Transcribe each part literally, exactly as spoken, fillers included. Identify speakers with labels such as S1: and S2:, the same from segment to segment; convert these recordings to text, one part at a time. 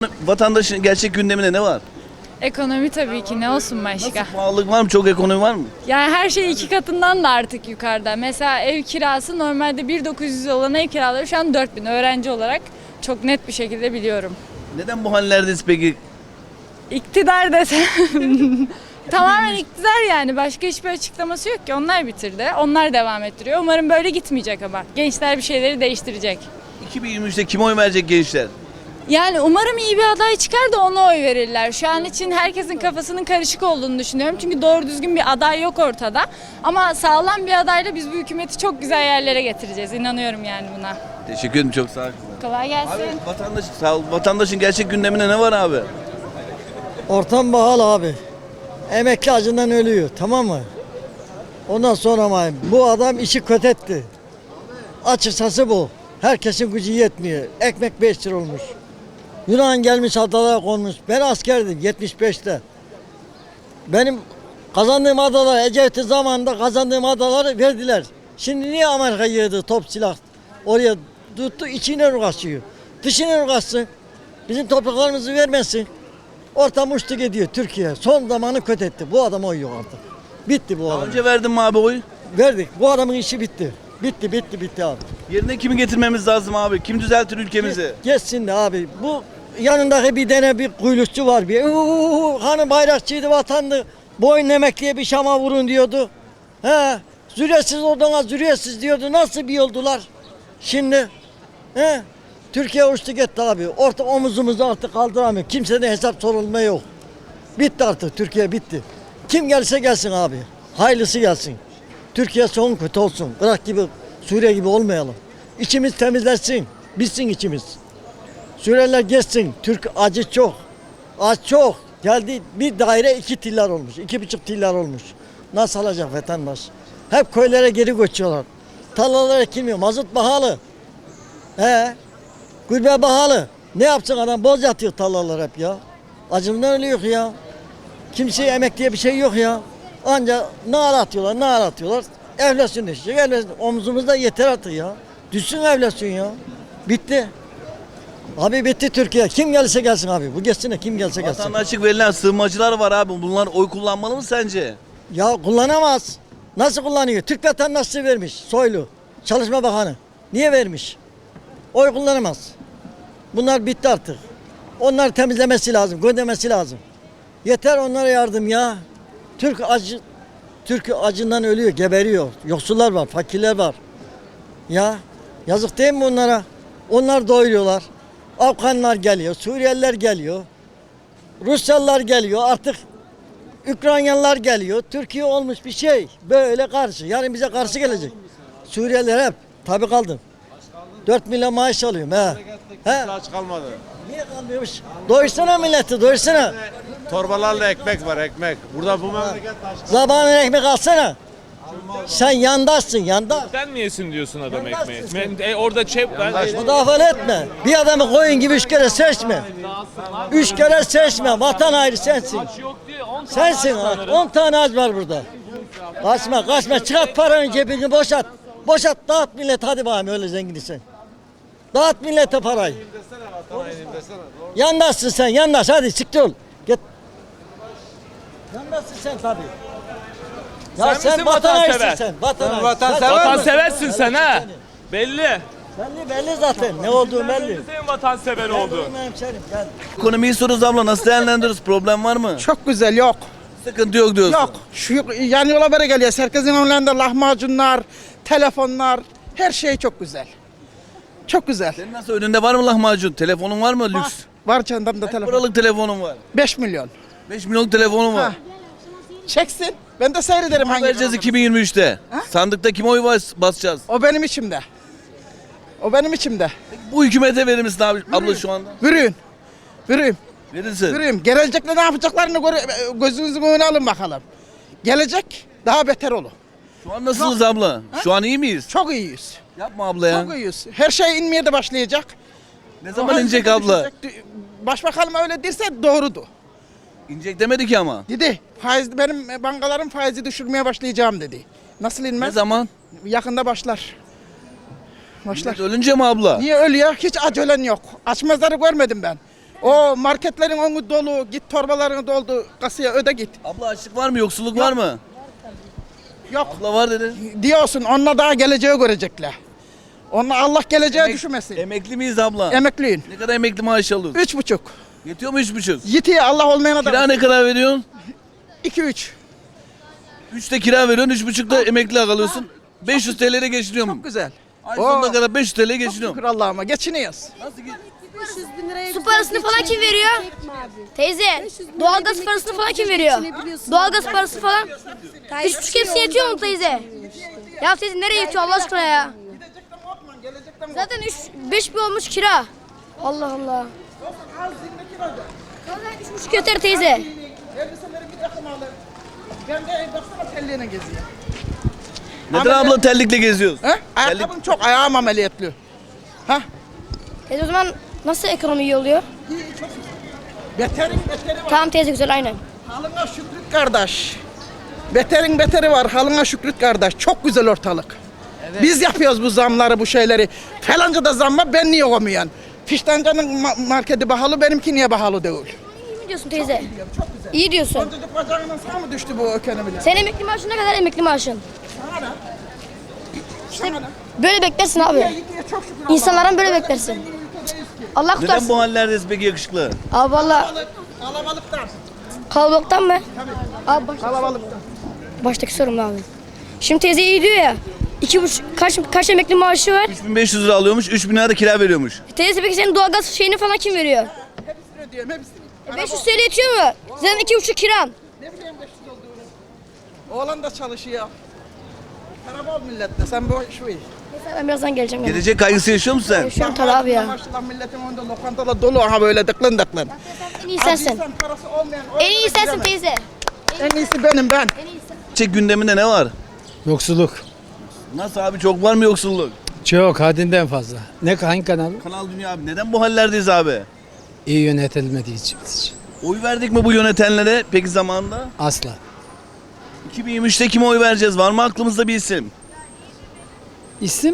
S1: Vatandaşın gerçek gündeminde ne var?
S2: Ekonomi tabii ki, ne olsun başka.
S1: Nasıl, pahalılık var mı? Çok ekonomi var mı?
S2: Yani her şey iki katından da artık yukarıda. Mesela ev kirası normalde bin dokuz yüz olan ev kiraları şu an dört bin, öğrenci olarak çok net bir şekilde biliyorum.
S1: Neden bu hallerdeyiz peki?
S2: İktidar desem tamamen iktidar, yani başka hiçbir açıklaması yok ki, onlar bitirdi. Onlar devam ettiriyor. Umarım böyle gitmeyecek ama. Gençler bir şeyleri değiştirecek.
S1: iki bin yirmi üçte kime oy verecek gençler?
S2: Yani umarım iyi bir aday çıkar da ona oy verirler. Şu an için herkesin kafasının karışık olduğunu düşünüyorum. Çünkü doğru düzgün bir aday yok ortada. Ama sağlam bir adayla biz bu hükümeti çok güzel yerlere getireceğiz. İnanıyorum yani buna.
S1: Teşekkür ederim, çok sağ olun.
S2: Kolay gelsin.
S1: Abi vatandaş, sağ ol. Vatandaşın gerçek gündeminde ne var abi?
S3: Ortam pahalı abi. Emekli acından ölüyor, tamam mı? Ondan sonra ama bu adam işi kötetti. Açıkçası bu. Herkesin gücü yetmiyor. Ekmek beş lira olmuş. Yunan gelmiş adalara konmuş. Ben askerdim yetmiş beşte. Benim kazandığım adalar Ecevit'in zamanında kazandığım adaları verdiler. Şimdi niye Amerika yığdı top silah? Oraya tuttu, içine uğraşıyor. Dışına uğraşsın. Bizim topraklarımızı vermesin. Ortam uçtu gidiyor Türkiye. Son zamanı kötü. Bu adam oy yok artık. Bitti bu
S1: Daha
S3: adam.
S1: önce verdin mi abi oy?
S3: Verdik. Bu adamın işi bitti. Bitti bitti bitti abi.
S1: Yerine kimi getirmemiz lazım abi? Kim düzeltir ülkemizi?
S3: Geçsin de abi. Bu yanındaki bir tane bir kuyrukçu var. Bir uuu, hani bayrakçıydı, vatandı. Boyun emekliye bir şama vurun diyordu. He. Züriyesiz odana züriyesiz diyordu. Nasıl bir yoldular? Şimdi he. Türkiye uçtu gitti abi. Orta omuzumuzu artık kaldıramıyor. Kimseden hesap sorulma yok. Bitti artık. Türkiye bitti. Kim gelse gelsin abi. Hayırlısı gelsin. Türkiye son kötü olsun. Irak gibi, Suriye gibi olmayalım. İçimiz temizlensin. Bitsin içimiz. Suriyeliler geçsin. Türk acı çok. Aç çok. Geldi bir daire iki tillar olmuş. iki buçuk tillar olmuş. Nasıl alacak vatandaş? Hep köylere geri göçüyorlar. Tarlalara ekilmiyor. Mazot pahalı. He. Gülbe pahalı. Ne yapsın adam? Boz yatıyor tarlalar hep ya. Acımdan ölüyor ya. Kimseye emek diye bir şey yok ya. Anca nar atıyorlar, nar atıyorlar. Enflasyon düşecek. Enflasyon. Omzumuzda yeter artık ya. Düşsün enflasyon ya. Bitti. Abi bitti Türkiye. Kim gelse gelsin abi. Bu geçsin de kim gelse gelsin.
S1: Vatandaşlık açık verilen sığınmacılar var abi. Bunlar oy kullanmalı mı sence?
S3: Ya kullanamaz. Nasıl kullanıyor? Türk vatandaşlığı vermiş. Soylu. Çalışma Bakanı. Niye vermiş? Oy kullanamaz. Bunlar bitti artık. Onlar temizlemesi lazım, göndermesi lazım. Yeter onlara yardım ya. Türk acı, Türk acından ölüyor, geberiyor. Yoksullar var, fakirler var. Ya yazık değil mi onlara? Onlar doyuruyorlar. Afganlar geliyor, Suriyeliler geliyor. Rusyalılar geliyor, artık Ukraynalılar geliyor. Türkiye olmuş bir şey. Böyle karşı. Yarın bize karşı gelecek. Suriyeliler hep tabii kaldım. dört milyon maaş alıyorum he. He.
S4: Aç kalmadı.
S3: Niye kalmıyormuş? Doyursana milleti, doyursana.
S4: Torbalarla ekmek var, ekmek. Burada bu memleket aç.
S3: Zabanın ekmek alsana. Sen yandaşsın, yandaş.
S5: Sen mi yesin diyorsun adam
S3: Yandaşsın
S5: ekmeği? Ben, e, orada çep ben
S3: Müdafaa etme. Bir adamı koyun gibi üç kere seçme. Üç kere seçme. Vatan ayrı sensin.
S5: yok diye on
S3: Sensin. On tane ağaç var burada. Kaçma, kaçma. Çıkart paranın cebini boşalt. Boşalt, dağıt millet. Hadi bakayım öyle zenginsin. Dağıt millete parayı. Yandaşsın sen, yandaş. Hadi siktir ol. Git. Yandaşsın sen tabii. Ya
S5: Sen misin vatansever?
S3: Sen, vatan ayrısın.
S4: vatansever
S5: Vatan
S4: misin?
S5: seversin sen ha. Belli.
S3: Belli belli zaten. Ne olduğu belli.
S5: Senin vatansever olduğun.
S3: Benim hemşerim, gel.
S1: Ekonomiyi soruyoruz abla, nasıl değerlendiriyoruz? Problem var mı?
S6: Çok güzel, yok.
S1: Sıkıntı yok diyorsun.
S6: Yok. Şu yan yola böyle geliyor. Herkesin önlerinde lahmacunlar, telefonlar, her şey çok güzel. Çok güzel.
S1: Senin nasıl, önünde var mı lahmacun? Telefonun var mı lüks?
S6: Var, var canım da
S1: Kaç
S6: telefon.
S1: paralık telefonun var?
S6: beş milyon.
S1: beş milyonluk telefonun var.
S6: Ha. Çeksin. Ben de seyrederim hangi.
S1: Vereceğiz iki bin yirmi üçte. Sandıkta kime oy bas- basacağız?
S6: O benim içimde. O benim içimde.
S1: Bu hükümete verir misin abi, abla şu anda?
S6: Vürüyün. Vürüyün.
S1: Verirsin.
S6: Vürüyün. Gelecekte ne yapacaklarını göre- gözünüzün önüne alın bakalım. Gelecek daha beter olur.
S1: Şu an nasılsınız abla? Şu an iyi miyiz?
S6: Çok iyiyiz.
S1: Yapma abla ya.
S6: Çok iyiyiz. Her şey inmeye de başlayacak.
S1: Ne zaman inecek abla?
S6: Başbakanım öyle derse doğrudu.
S1: İnecek demedi ki ama.
S6: Dedi faiz, benim bankaların faizi düşürmeye başlayacağım dedi. Nasıl
S1: Ne
S6: inmez?
S1: zaman?
S6: Yakında başlar. Başlar.
S1: Millet ölünce mi abla?
S6: Niye ölüyor? Hiç aç ölen yok. Aç mezarı görmedim ben. O marketlerin önü dolu. Git torbalarını doldu. Kasaya öde git.
S1: Abla açlık var mı? Yoksulluk var mı?
S6: Yok.
S1: Abla var dedi.
S6: Diyorsun onunla daha geleceği görecekler. Onunla Allah geleceğe
S1: Emek-
S6: düşmesin.
S1: Emekli miyiz abla?
S6: Emekliyim.
S1: Ne kadar emekli maaşı alıyorsun?
S6: Üç buçuk.
S1: Yetiyor mu üç buçuk?
S6: Yitiye Allah olmayana
S1: Kira
S6: da.
S1: ne kadar veriyorsun?
S6: İki üç.
S1: Üçte kira veriyorsun, üç buçukta emekli alıyorsun. beş yüz T L'ye geçiniyor mu?
S6: Çok güzel.
S1: Ay
S6: Oo.
S1: sonuna kadar beş yüz T L'ye
S6: Çok
S1: geçiniyor.
S6: şükür Allah'ıma geçiniyoruz.
S1: Nasıl ge-
S7: Su parasını falan kim veriyor? Teyze, doğalgaz parasını falan kim veriyor? Doğalgaz parası falan. Üç buçuk hepsi yetiyor mu teyze? Ya teyze nereye yetiyor Allah aşkına ya? Zaten üç, beş bin olmuş kira. Allah Allah. Zaten üç buçuk yeter teyze.
S6: Elbiseleri bir takım alır. Ben de baksana telliğine geziyor.
S1: Neden abla terlikle geziyoruz?
S6: He? Ayakkabım çok, ayağım ameliyatlı. Ha?
S7: Teyze o zaman nasıl ekonomi iyi oluyor?
S6: Beterin beteri var.
S7: Tamam teyze güzel aynen.
S6: Halına şükret kardeş. Beterin beteri var. Halına şükret kardeş. Çok güzel ortalık. Biz yapıyoruz bu zamları, bu şeyleri. Falanca da zam var, ben niye olmayan? Fiştanca'nın ma- marketi pahalı, benimki niye pahalı değil?
S7: İyi mi diyorsun teyze? İyi diyorsun.
S6: Boncacık bacağından sağ mı düştü bu ekonomiler?
S7: Senin emekli maaşın ne kadar emekli maaşın?
S6: Sana da.
S7: İşte böyle beklersin abi.
S6: Yitiye çok şükür
S7: İnsanlardan böyle beklersin. Allah
S1: Neden
S7: kurtarsın.
S1: bu hallerdeyiz peki yakışıklı?
S7: Abi valla
S6: Allah'ım. Kalabalıktan.
S7: kalabalıktan mı? Abi baş,
S6: Kalabalıktan.
S7: baştaki sorum abi. Şimdi teyze iyi diyor ya. İki buçuk, kaç, kaç emekli maaşı var?
S1: üç bin beş yüz lira alıyormuş, üç bin lira da kira veriyormuş.
S7: Teyze peki senin doğalgaz şeyini falan kim veriyor?
S6: Hepsini ödüyorum, hepsini.
S7: E beş yüz T L yetiyor mu? Senin iki buçuk kiran.
S6: Ne bileyim beş yüz olduğunu. Oğlan da çalışıyor. Para bol millette, sen bu şu iş.
S7: Neyse ben birazdan geleceğim. Yani.
S1: Gelecek kaygısı yaşıyor musun sen?
S7: Şu an tabii abi ya.
S6: Maşallah milletin önünde lokantalar dolu aha böyle dıklın dıklın.
S7: En iyi sensin.
S6: Acıysan parası olmayan
S7: En iyi sensin teyze.
S6: En iyisi benim ben.
S1: Gelecek gündeminde ne var?
S8: Yoksulluk.
S1: Nasıl abi, çok var mı yoksulluk?
S8: Çok haddinden fazla. Ne hangi kanal?
S1: Kanal Dünya abi, neden bu hallerdeyiz abi?
S8: İyi yönetilmediği için. için.
S1: Oy verdik mi bu yönetenlere peki zamanında?
S8: Asla.
S1: iki bin yirmi üçte kime oy vereceğiz? Var mı aklımızda bir isim?
S8: İsim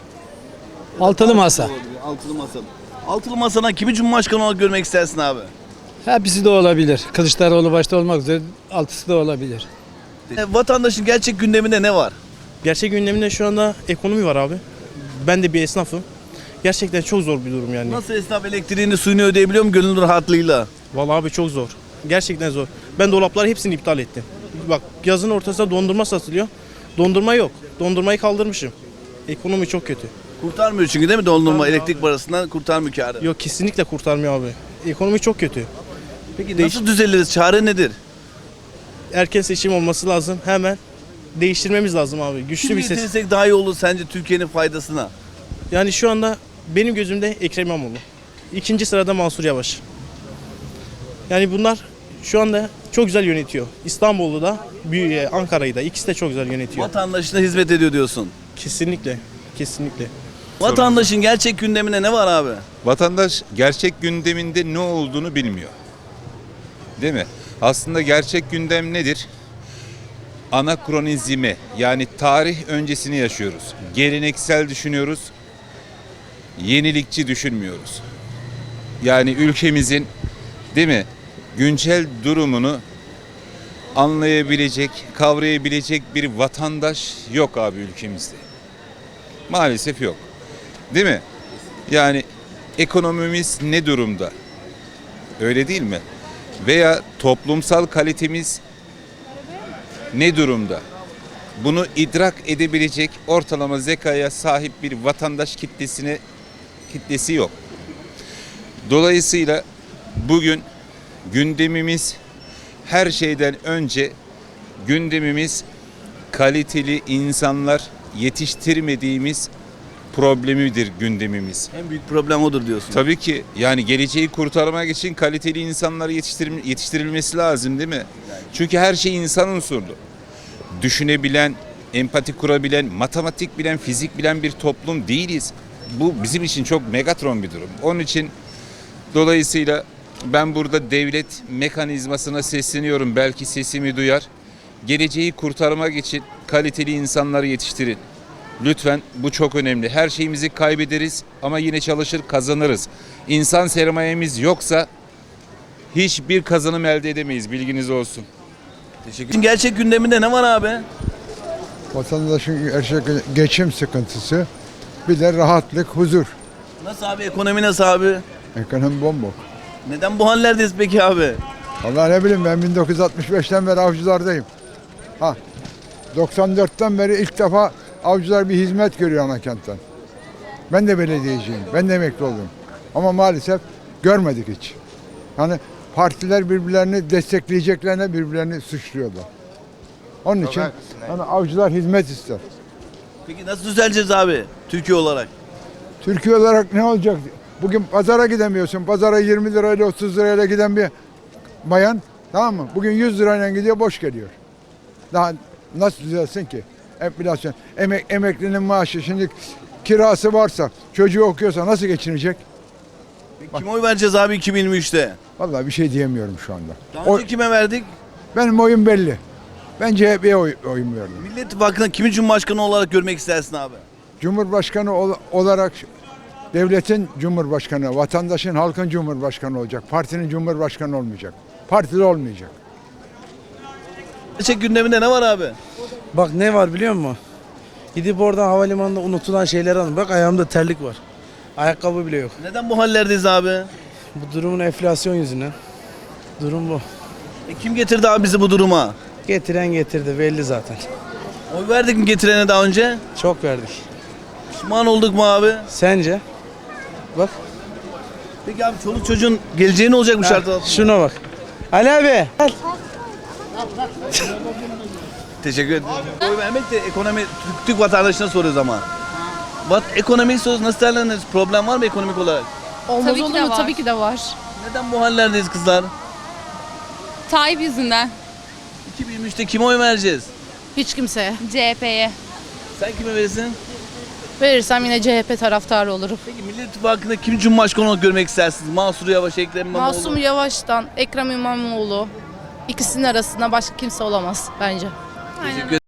S8: Altılı Masa.
S1: Altılı Masa. Altılı Masa'dan kimi Cumhurbaşkanı olarak görmek istersin abi?
S8: Hepsi de olabilir. Kılıçdaroğlu başta olmak üzere altısı da olabilir.
S1: E, vatandaşın gerçek gündeminde ne var?
S9: Gerçek gündeminde şu anda ekonomi var abi. Ben de bir esnafım. Gerçekten çok zor bir durum yani.
S1: Nasıl esnaf elektriğini suyunu ödeyebiliyor mu gönül rahatlığıyla?
S9: Vallahi abi çok zor. Gerçekten zor. Ben dolapları hepsini iptal ettim. Bak yazın ortasında dondurma satılıyor. Dondurma yok. Dondurmayı kaldırmışım. Ekonomi çok kötü.
S1: Kurtarmıyor çünkü değil mi dondurma elektrik parasından kurtarmıyor kârı.
S9: Yok kesinlikle kurtarmıyor abi. Ekonomi çok kötü.
S1: Peki
S9: Değiş-
S1: nasıl düzeliriz? Çare nedir?
S9: Erken seçim olması lazım. Hemen değiştirmemiz lazım abi. Güçlü
S1: Kim
S9: bir ses.
S1: getirirsek daha iyi olur sence Türkiye'nin faydasına?
S9: Yani şu anda benim gözümde Ekrem İmamoğlu. İkinci sırada Mansur Yavaş. Yani bunlar şu anda çok güzel yönetiyor. İstanbul'u da, Büyü- Ankara'yı da ikisi de çok güzel yönetiyor.
S1: Vatandaşına hizmet ediyor diyorsun.
S9: Kesinlikle. Kesinlikle.
S1: Vatandaşın gerçek gündeminde ne var abi?
S10: Vatandaş gerçek gündeminde ne olduğunu bilmiyor. Değil mi? Aslında gerçek gündem nedir? Anakronizmi, yani tarih öncesini yaşıyoruz. Geleneksel düşünüyoruz. Yenilikçi düşünmüyoruz. Yani ülkemizin, değil mi, güncel durumunu anlayabilecek, kavrayabilecek bir vatandaş yok abi ülkemizde. Maalesef yok. Değil mi? Yani ekonomimiz ne durumda? Öyle değil mi? Veya toplumsal kalitemiz ne durumda? Bunu idrak edebilecek ortalama zekaya sahip bir vatandaş kitlesine kitlesi yok. Dolayısıyla bugün gündemimiz her şeyden önce gündemimiz kaliteli insanlar yetiştirmediğimiz problemidir gündemimiz.
S1: En büyük problem odur diyorsun.
S10: Tabii ki yani geleceği kurtarmak için kaliteli insanlar yetiştirim- yetiştirilmesi lazım değil mi? Çünkü her şey insan unsurlu. Düşünebilen, empati kurabilen, matematik bilen, fizik bilen bir toplum değiliz. Bu bizim için çok megatron bir durum. Onun için dolayısıyla ben burada devlet mekanizmasına sesleniyorum. Belki sesimi duyar. Geleceği kurtarmak için kaliteli insanları yetiştirin. Lütfen, bu çok önemli. Her şeyimizi kaybederiz ama yine çalışır kazanırız. İnsan sermayemiz yoksa hiçbir kazanım elde edemeyiz, bilginiz olsun.
S1: Teşekkür. Gerçek gündeminde ne var abi?
S11: Vatandaşın gerçek geçim sıkıntısı, bir de rahatlık, huzur.
S1: Nasıl abi, ekonomi nasıl abi?
S11: Ekonomi bombok.
S1: Neden bu hallerdeyiz peki abi?
S11: Vallahi ne bileyim, ben bin dokuz yüz altmış beşten beri avcılardayım. Ha, doksan dörtten beri ilk defa avcılar bir hizmet görüyor Anakentten. Ben de belediyeciyim, ben de emekli oldum. Ama maalesef görmedik hiç. Hani partiler birbirlerini destekleyeceklerine birbirlerini suçluyorlar. Onun için hani avcılar hizmet ister.
S1: Peki nasıl düzeleceğiz abi Türkiye olarak?
S11: Türkiye olarak ne olacak? Bugün pazara gidemiyorsun. Pazara yirmi lirayla otuz lirayla giden bir bayan, tamam mı? Bugün yüz lirayla gidiyor, boş geliyor. Daha nasıl düzelsin ki? Enflasyon. Emek, emeklinin maaşı şimdi kirası varsa, çocuğu okuyorsa nasıl geçinecek?
S1: Kime oy vereceğiz abi iki bin yirmi üçte?
S11: Vallahi bir şey diyemiyorum şu anda.
S1: Daha önce
S11: Oy-
S1: kime verdik?
S11: benim oyum belli. Ben C H P'ye oy, oyum verdim.
S1: Millet İttifakı'nda kimi Cumhurbaşkanı olarak görmek istersin abi?
S11: Cumhurbaşkanı ol- olarak devletin cumhurbaşkanı, vatandaşın, halkın cumhurbaşkanı olacak. Partinin cumhurbaşkanı olmayacak. Partili olmayacak.
S1: Gerçek gündeminde ne var abi?
S8: Bak ne var biliyor musun? Gidip oradan havalimanında unutulan şeyleri alın. Bak ayağımda terlik var. Ayakkabı bile yok.
S1: Neden bu hallerdeyiz abi?
S8: Bu durumun enflasyon yüzünden. Durum bu.
S1: E kim getirdi abi bizi bu duruma?
S8: Getiren getirdi belli zaten.
S1: Oy verdik mi getirene daha önce?
S8: Çok verdik.
S1: Pişman olduk mu abi?
S8: Sence? Bak.
S1: Peki abi çoluk çocuğun geleceği ne olacak bu şartlar altında?
S8: Şuna bak. Ali abi. Gel.
S1: Teşekkür ederim. Oy vermek de ekonomi Türk, Türk vatandaşına soruyoruz ama. Vat, ekonomiyi soruyoruz. Nasıl değerlendiriyoruz? Problem var mı ekonomik olarak?
S2: Olmaz
S12: Tabii ki
S2: olur
S12: de
S2: mu?
S12: var.
S2: Tabii ki de var.
S1: Neden bu hallerdeyiz kızlar?
S12: Tayyip yüzünden.
S1: iki bin yirmi üçte kime oy vereceğiz?
S12: Hiç kimseye. C H P'ye.
S1: Sen kime verirsin?
S12: Verirsem yine C H P taraftarı olurum.
S1: Peki Millet İttifakı'nda kim Cumhurbaşkanı olarak görmek istersiniz? Mansur Yavaş, Ekrem İmamoğlu.
S12: Masum Yavaş'tan Ekrem İmamoğlu ikisinin arasında başka kimse olamaz bence.
S1: Teşekkür